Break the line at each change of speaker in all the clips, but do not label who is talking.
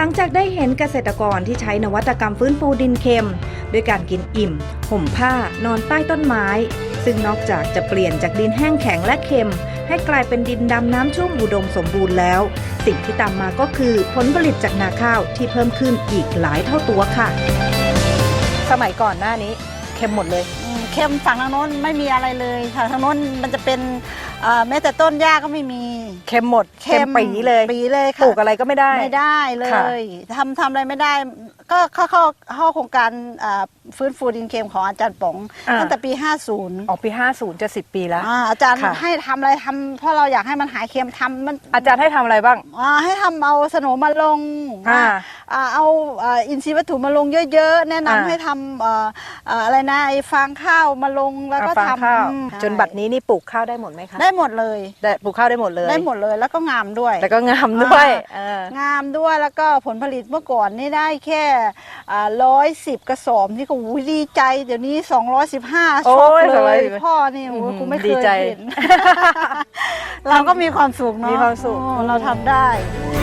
งจากได้เห็นเกษตรกรที่ใช้นวัตกรรมฟื้นฟูดินเค็มด้วยการกินอิ่มห่มผ้านอนใต้ต้นไม้ซึ่งนอกจากจะเปลี่ยนจากดินแห้งแข็งและเค็มให้กลายเป็นดินดำน้ำชุ่มอุดมสมบูรณ์แล้วสิ่งที่ตามมาก็คือผลผลิตจากนาข้าวที่เพิ่มขึ้นอีกหลายเท่าตัวค่ะสมัยก่อนหน้านี้เค็มหมดเลย
เค็มฝั่งทางโน้นไม่มีอะไรเลยค่ะทางโน้นมันจะเป็นแม้แต่ต้นหญ้าก็ไม่มี
เค็มหมดเค็มปีเลย
ค่ะ
ปลูกอะไรก็ไม่ได้
เลยทำอะไรไม่ได้ก็เข้าโครงการฟื้นฟูดินเค็มของอาจารย์ป๋องตั้งแต่ปี50
ออกปี50จะ10 ปีแล้ว
อาจารย์ให้ทำอะไรทำเพราะเราอยากให้มันหายเค็มทำมัน
อาจารย์ให้ทำอะไรบ้าง
ให้ทำเอาสโนมาลงเอาอินทรีย์วัตถุมาลงเยอะๆแนะนำให้ทำอะไรนะไอ้ฟางข้าวมาลงแล้วก็ท
ำจนบัดนี้นี่ปลูกข้าวได้หมดไหมคะ
ได้หมดเลย
ปลูกข้าวได้หมดเลย
แล้วก็งามด้วย
งาม
ด้วยแล้วก็ผลผลิตเมื่อก่อนนี่ได้แค่110 กระสอบนี่ก็ดีใจเดี๋ยวนี้215ช็อกเลยพ่อนี่กูไม่เคยเห็นเราก็มีความสุขเนาะเราทำได้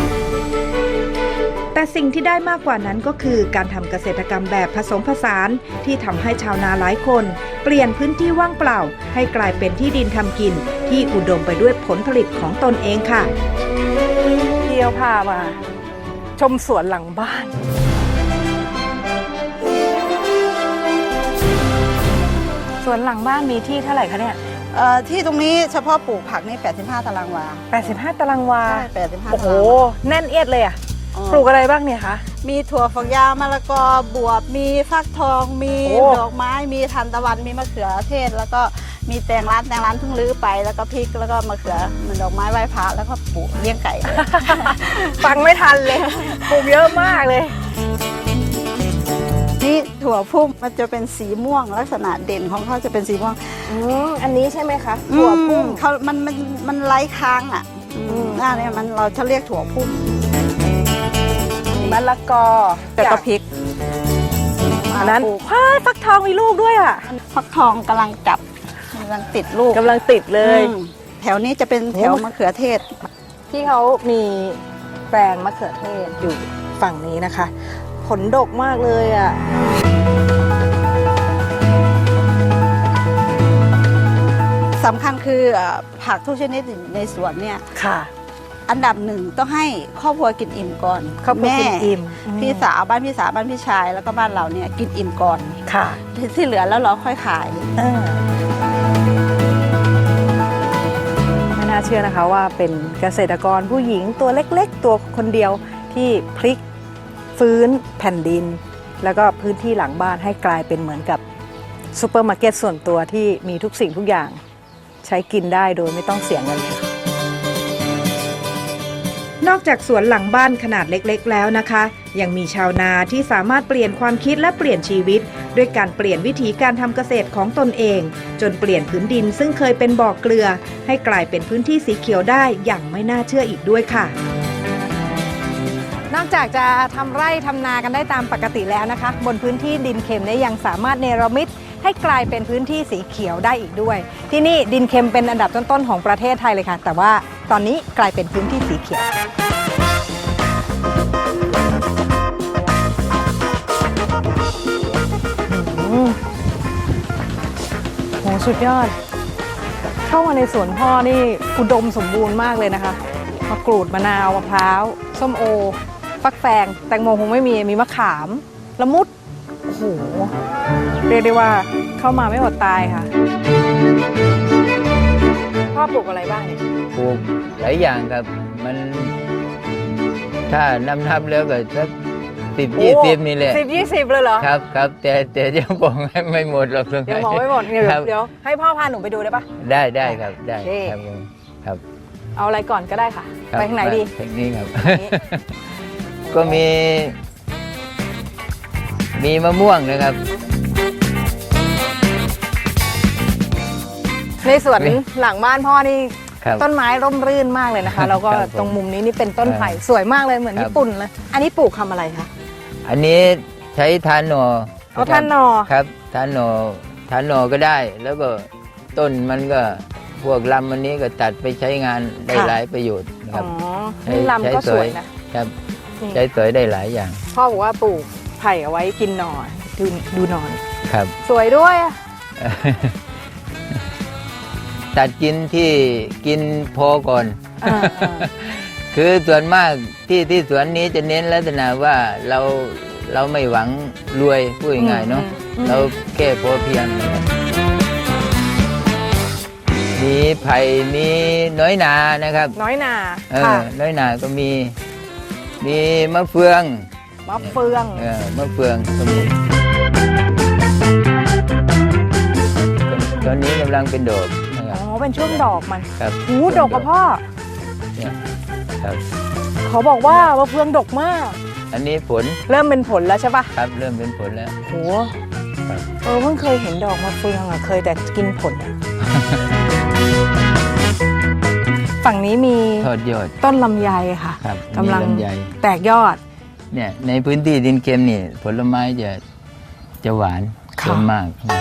แต่สิ่งที่ได้มากกว่านั้นก็คือการทำเกษตรกรรมแบบผสมผสานที่ทำให้ชาวนาหลายคนเปลี่ยนพื้นที่ว่างเปล่าให้กลายเป็นที่ดินทำกินที่อุดมไปด้วยผลผลิตของตนเองค่ะเที่ยวพามาชมสวนหลังบ้านสวนหลังบ้านมีที่เท่าไหร่คะเนี่ย
ที่ตรงนี้เฉพาะปลูกผักนี่85 ตารางวา
85 ตารางวา
ใช่85
โอ้โหแน่นเอียดเลยอะปลูกอะไรบ้างเนี่ยคะ
มีถั่วฝักยาวมะละกอบวบมีฟักทองมีดอกไม้มีทานตะวันมีมะเขือเทศแล้วก็มีแตงร้านเพิ่งรื้อไปแล้วก็พริกแล้วก็มะเขือมันดอกไม้ไหว้พระแล้วก็ปลูกเลี้ยงไก่เลย
ฟังไม่ทันเลยปลูกเยอะมากเลย
นี่ถั่วพุ่มมันจะเป็นสีม่วงลักษณะเด่นของเขาจะเป็นสีม่วง
อันนี้ใช่ไหมคะถั่วพุ่ม
เขามันไร้ค้างอ่ะหน้าเนี่ยเราจะเรียกถั่วพุ่ม
มะละกอ
แต่ก็พริก
อันนั้นฟักทองมีลูกด้วยอ่ะ
ฟักทองกำลังติดลูก
กำลังติดเลย
แถวนี้จะเป็นแถวมะเขือเทศ
ที่เขามีแปลงมะเขือเทศอยู่ฝั่งนี้นะคะผลดกมากเลยอ่ะ
สำคัญคือผักทุกชนิดในสวนเนี่ย
ค่ะ
อันดับหนึ่งต้องให้ครอบครัวกินอิ่มก่อน
แม่
พี่สาวบ้านพี่สาวบ้านพี่ชายแล้วก็บ้านเราเนี่ยกินอิ่มก่อน
ค่ะ
ที่เหลือแล้วเราค่อยขาย
ไม่น่าเชื่อนะคะว่าเป็นเกษตรกรผู้หญิงตัวเล็กๆตัวคนเดียวที่พลิกฟื้นแผ่นดินแล้วก็พื้นที่หลังบ้านให้กลายเป็นเหมือนกับซูเปอร์มาร์เก็ตส่วนตัวที่มีทุกสิ่งทุกอย่างใช้กินได้โดยไม่ต้องเสียเงินเลยนอกจากสวนหลังบ้านขนาดเล็กๆแล้วนะคะยังมีชาวนาที่สามารถเปลี่ยนความคิดและเปลี่ยนชีวิตด้วยการเปลี่ยนวิธีการทำเกษตรของตนเองจนเปลี่ยนพื้นดินซึ่งเคยเป็นบ่อเกลือให้กลายเป็นพื้นที่สีเขียวได้อย่างไม่น่าเชื่ออีกด้วยค่ะนอกจากจะทำไร่ทำนากันได้ตามปกติแล้วนะคะบนพื้นที่ดินเค็มเนี่ยยังสามารถเนรมิตให้กลายเป็นพื้นที่สีเขียวได้อีกด้วยที่นี่ดินเค็มเป็นอันดับต้นๆของประเทศไทยเลยค่ะแต่ว่าตอนนี้กลายเป็นพื้นที่สีเขียวโหสุดยอดเข้ามาในสวนพ่อนี่อุดมสมบูรณ์มากเลยนะคะมะกรูดมะนาวมะพร้าวส้มโอฟักแฟงแตงโมคงไม่มีมะขามละมุดโอ้โหเรียกได้ว่าเข้ามาไม่อดตายค่ะพ่อปลูกอะไรบ้างเนี่ย
ปลูกหลายอย่างครับมันถ้านับแล้วก็สัก10-20นี่แหละ
10-20เลยเหรอ
ครับแต่ยังบอกไม่หมดหรอก
ยังบอกไม่หมดเดี๋ยวให้พ่อพาหนูไปดูได้ปะ
ได้ครับได้ครับ
เอาอะไรก่อนก็ได้ค่ะไปทางไหนดี
ทางนี้ครับก็มีมะม่วงนะครับ
ในสวนหลังบ้านพ่อนี่ต้นไม้ร่มรื่นมากเลยนะคะแล้วก็ตรงมุมนี้นี่เป็นต้นไผ่สวยมากเลยเหมือนญี่ปุ่นเลยอันนี้ปลูกทำอะไรคะ
อันนี้ใช้ทานหน่อ
ทานหน่อ
ครับทานหน่อก็ได้แล้วก็ต้นมันก็พวกลำอันนี้ก็ตัดไปใช้งานได้หลายประโยชน์นะครับ
นี่ลำก็สวยนะครับนี่
ใช้สอยได้หลายอย่าง
พ่อบอกว่าปลูกไผ่เอาไว้กินหน่อดูหน่อ
ครับ
สวยด้วยอะ
ตัดกินที่กินพอก่อน
อ่า
คือส่วนมากที่สวนนี้จะเน้นลักษณะว่าเราไม่หวังรวยพูดง่ายๆเนาะเราแค่พอเพียงนะครับมีไผ่มีน้อยนานะครับ
น้อยนา
ค่ะ น้อยนาก็มีมะเฟือง
มะเฟือง
มะเฟืองก็มีตอนนี้กำลังเป็นดอกนะค
อ๋
รั
อบ เป็นช่วงดอกมัน
ครับ
หูดกกับพ่อ
เนี่ยครับ
เขาบอกว่ามะเฟืองดกมาก
อันนี้ผล
เริ่มเป็นผลแล้วใช่ปะ
ครับเริ่มเป็นผลแล้ว
โห
ครับ
เพิ่งเคยเห็นดอกมะเฟืองอ่ะเคยแต่กินผลอะ ฝั่งนี้มี
ทอดยอด
ต้นลำไยค่ะ
ครับ
กำลัง
มีลำไย
แตกยอด
เนี่ยในพื้นที่ดินเค็มนี่ผลไม้จะหวาน
ค่ะ
ส่วนมากนะครับ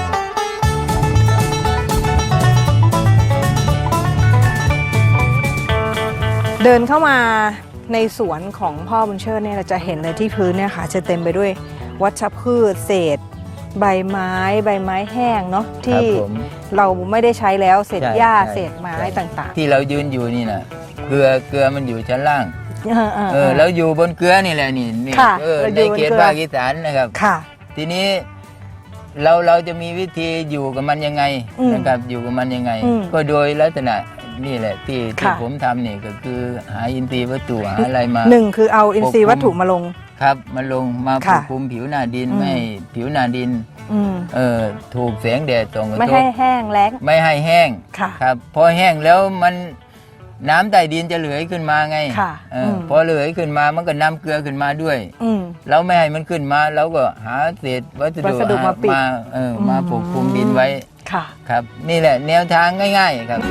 เดินเข้ามาในสวนของพ่อบุญเชิดเนี่ยเราจะเห็นเลยที่พื้นเนี่ยค่ะจะเต็มไปด้วยวัชพืชเศษ ใบไม้แห้งเนาะ
ครั
ที่
บผม
เราไม่ได้ใช้แล้วเศษ
ใช่
หญ้า
ใช่
เศษไม้
ใช่
ต่าง
ที่เรายืนอยู่นี่นะเกลือมันอยู่ชั้นล่าง
ๆ
แล้วอยู่บนเกลือนี่แหละนี่
ค่ะ
ใน
เราอยู่บน
เขต
เกลือ
ภาคอีสานนะครับ
ค่ะ
ทีนี้เราจะมีวิธีอยู่กับมันยังไง
อืม
นะครับอยู่กับมันยังไง
อืม
ก็โดยลักษณะนี่แหละที่
ค่ะ
ผมทำนี่ก็คือหาอินทรีย์วัตถุหาอะไรมา
หนึ่งคือเอาอินทรีย์วัตถุมาลง
ครับมาลงมาป
ค่ะ
กคลุมผิวหน้าดิน
อืม
ไม่ให้ผิวหน้าดิน
อืม
ถูกแสงแดดส่องกระ
ไม่
ท
ให้
บ
แห้งแล้ง
ไม่ให้แห้ง
ค่ะ
ครับพอแห้งแล้วมันน้ำใต้ดินจะเหลือขึ้นมาไง
ค่ะ
มพอเหลือขึ้นมามันก็นำเกลือขึ้นมาด้วย
อืม
เราไม่ให้มันขึ้นมาเราก็หาเศษวัส
วัสดุ
ดุ
มาปิด
มาปกคลุมดินไว้
ค่ะ
ครับ นี่แหละแนวทางง่าย ๆ ครับ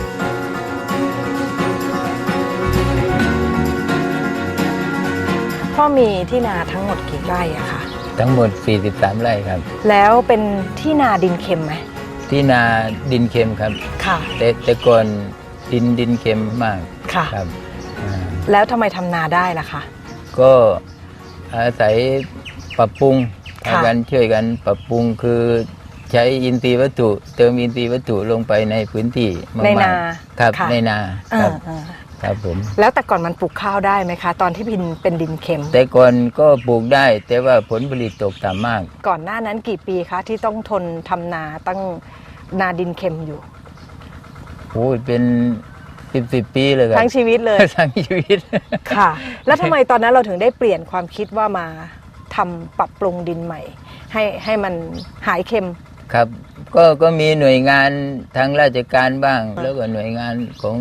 พ่อมีที่นาทั้งหมดกี่ไร่อะคะ
ทั้งหมด 43 ไร่ครับ
แล้วเป็นที่นาดินเค็มไหม
ที่นาดินเค็มครับ
ค่ะ
แต่ก่อนดินเค็มมาก
ค่ะ
ครับอ่า
แล้วทำไมทำนาได้ล่ะคะ
ก็อาศัยปรับปรุง
ค่ะ
กันช่วยกันปรับปรุงคือใช้อินทรีย์วัตถุ เติมอินทรีย์วัตถุลงไปในพื้นที่มากๆ
ในนา
ครับ
ค่ะ
ในนาครับ
อ่า
ครับผม
แล้วแต่ก่อนมันปลูกข้าวได้ไหมคะ ตอนที่เป็นดินเค็ม
แต่ก่อนก็ปลูกได้ แต่ว่าผลผลิตตกต่ำมาก
ก่อนหน้านั้นกี่ปีคะที่ต้องทนทำนาตั้งนาดินเค็มอยู่
โอ้ยเป็น10 ปีเลยครับ
ทั้งชีวิตเลย
ทั้งชีวิต
ค่ะ แล้วทำไมตอนนั้นเราถึงได้เปลี่ยนความคิดว่ามาทำปรับปรุงดินใหม่ ให้มันหายเค็ม
ครับก็มีหน่วยงานทางราชการบ้าง แล้วก็หน่วยงานของ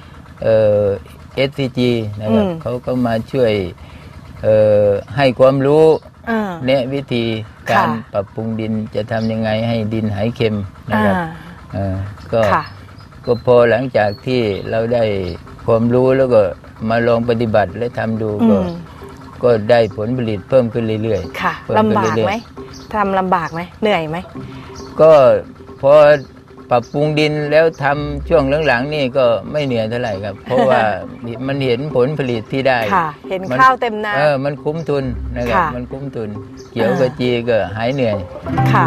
SCG นะครับ
อืม
เขาก็มาช่วยให้ความรู้
อ่า
แนะวิธีการ
ค่ะ
ปรับปรุงดินจะทำยังไงให้ดินหายเค็มนะครับ ก็
ค่ะ
ก็พอหลังจากที่เราได้ความรู้แล้วก็มาลองปฏิบัติและทำดู
อืม
ก็ได้ผลผลิตเพิ่มขึ้นเรื่อย
ค่ะ
เพิ่ม
ลำ
ขึ้น
บาก
เรื่อยๆ
ไหมทำลำบากไหมเหนื่อยไหม
ก็พอปรับปรุงดินแล้วทำช่วงหลังๆนี่ก็ไม่เหนื่อยเท่าไหร่ครับ เพราะว่ามันเห็นผลผลิตที่ได้
ค่ะ เห็น
มัน
ข้าวเต็มนา
มันคุ้มทุนนะครับ
ค่ะ
มันคุ้มทุน เกี่ยวกับจีก็หายเหนื่อย
ค่ะ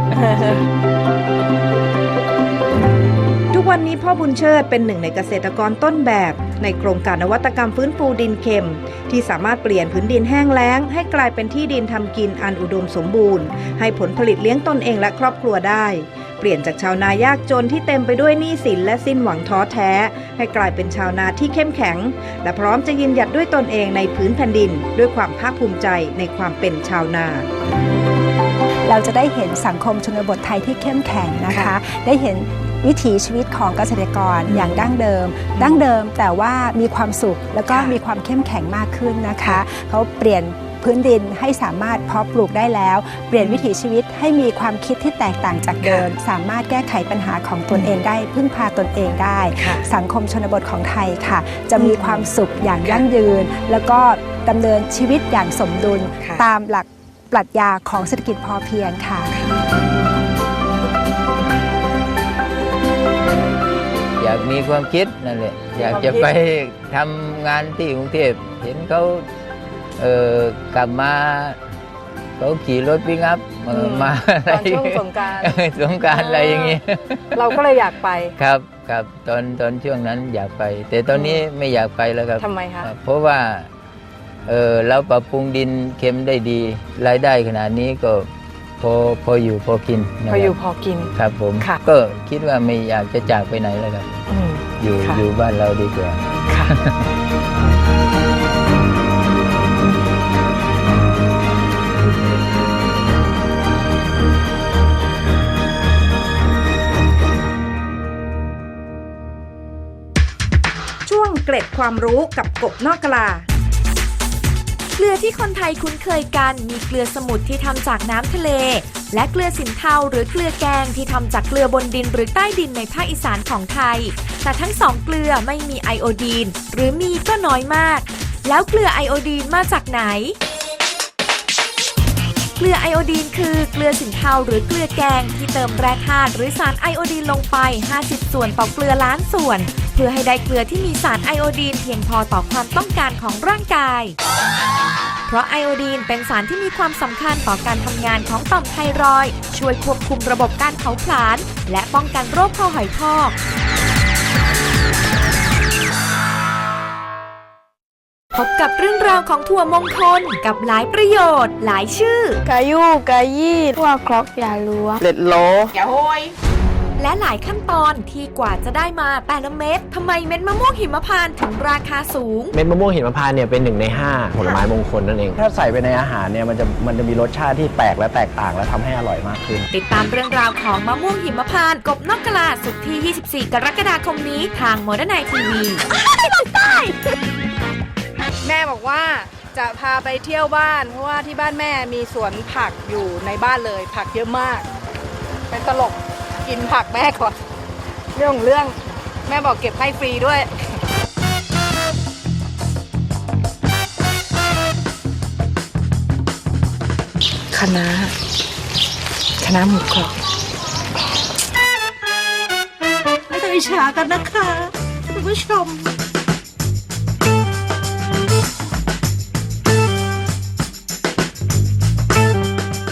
ทุกวันนี้พ่อบุญเชิดเป็นหนึ่งในเกษตรกรต้นแบบ ในโครงการนวัตกรรมฟื้นฟูดินเค็ม ที่สามารถเปลี่ยนพื้นดินแห้งแล้ง ให้กลายเป็นที่ดินทำกินอันอุดมสมบูรณ์ ให้ผลผลิตเลี้ยงตนเองและครอบครัวได้ เปลี่ยนจากชาวนายากจนที่เต็มไปด้วยหนี้สินและสิ้นหวังท้อแท้ ให้กลายเป็นชาวนาที่เข้มแข็ง และพร้อมจะยืนหยัดด้วยตนเองในพื้นแผ่นดิน ด้วยความภาคภูมิใจในความเป็นชาวนา
เราจะได้เห็นสังคมชนบทไทยที่เข้มแข็งนะคะ
ค่ะ
ได้เห็นวิถีชีวิตของเกษตรกรอย่างดั้งเดิม แต่ว่ามีความสุขแล้วก็
ค่ะ
มีความเข้มแข็งมากขึ้นนะคะ เขาเปลี่ยนพื้นดินให้สามารถเพาะปลูกได้แล้ว เปลี่ยนวิถีชีวิตให้มีความคิดที่แตกต่างจากเดิม สามารถแก้ไขปัญหาของตนเองได้ พึ่งพาตนเองได้
ค่ะ
สังคมชนบทของไทยค่ะ จะมีความสุขอย่างยั่งยืน แล้วก็ดำเนินชีวิตอย่างสมดุล
ค่ะ
ตามหลักปรัชญาของเศรษฐกิจพอเพียงค่ะ
อยากมีความคิดนั่นแหละอยากจะไปทำงานที่กรุงเทพเห็นเขากลับมาเขาขี่รถปิกอัพมาอะไร
ตอนช่วงสงกรานต์
สงกรานต์อะไรอย่างงี้
เราก็เลยอยากไป
ครับครับตอนช่วงนั้นอยากไป แต่ตอนนี้ไม่อยากไปแล้วครับ
ทำไมคะ
เพราะว่าเราปรับปรุงดินเค็มได้ดีรายได้ขนาดนี้ก็พออยู่พอกินนะ
พ
ค
อ
รับ
อยู่พอกิน
ครับผม
ค่ะ
ก็คิดว่าไม่อยากจะจากไปไหนแล้วครับ
อืม
อยู่
ค่ะ
อยู่บ้านเราดีกว่า
ค่ะ
ช่วงเกร็ดความรู้กับกบนอกกลา
เกลือที่คนไทยคุ้นเคยกันมีเกลือสมุทรที่ทำจากน้ำทะเล และเกลือสินเทาหรือเกลือแกงที่ทำจากเกลือบนดินหรือใต้ดินในภาคอีสานของไทย แต่ทั้งสองเกลือไม่มีไอโอดีนหรือมีก็น้อยมาก แล้วเกลือไอโอดีนมาจากไหน เกลือไอโอดีนคือเกลือสินเทาหรือเกลือแกงที่เติมแร่ธาตุหรือสารไอโอดีนลงไป 50 ส่วนต่อเกลือล้านส่วน เพื่อให้ได้เกลือที่มีสารไอโอดีนเพียงพอต่อความต้องการของร่างกาย เพราะไอโอดีนเป็นสารที่มีความสำคัญต่อการทำงานของต่อมไทรอยด์ช่วยควบคุมระบบการเผาผลาญและป้องกันโรคคอหอยพอก พบกับเรื่องราวของถั่วมงคลกับหลายประโยชน์หลายชื่อ
กายูกายี่ทั่วครกอย่าล้วง
เล็ดโล
และหลายขั้นตอนที่กว่าจะได้มาแต่ละเม็ดทำไมเม็ดมะม่วงหิมพานต์ถึงราคาสูง
เม็ดมะม่วงหิมพานต์เนี่ยเป็น1 ใน 5 ผลไม้มงคลนั่นเอง ถ้าใส่ไปในอาหารเนี่ยมันจะมีรสชาติที่แปลกและแตกต่างและทำให้อร่อยมากขึ้น
ติดตามเรื่องราวของมะม่วงหิมพานต์กบนอกกะลาศุกร์ที่ 24 กรกฎาคมนี้ทางโมเดิร์นไนทีวี
แม่บอกว่าจะพาไปเที่ยวบ้าน เพราะว่าที่บ้านแม่มีสวนผักอยู่ในบ้านเลย ผักเยอะมาก เป็นตลกกินผักแม่ก่อน เรื่องแม่บอกเก็บให้ฟรีด้วย คณะหมูกรอบ
ไม่ต้องอิจฉากันนะคะคุณผู้ชม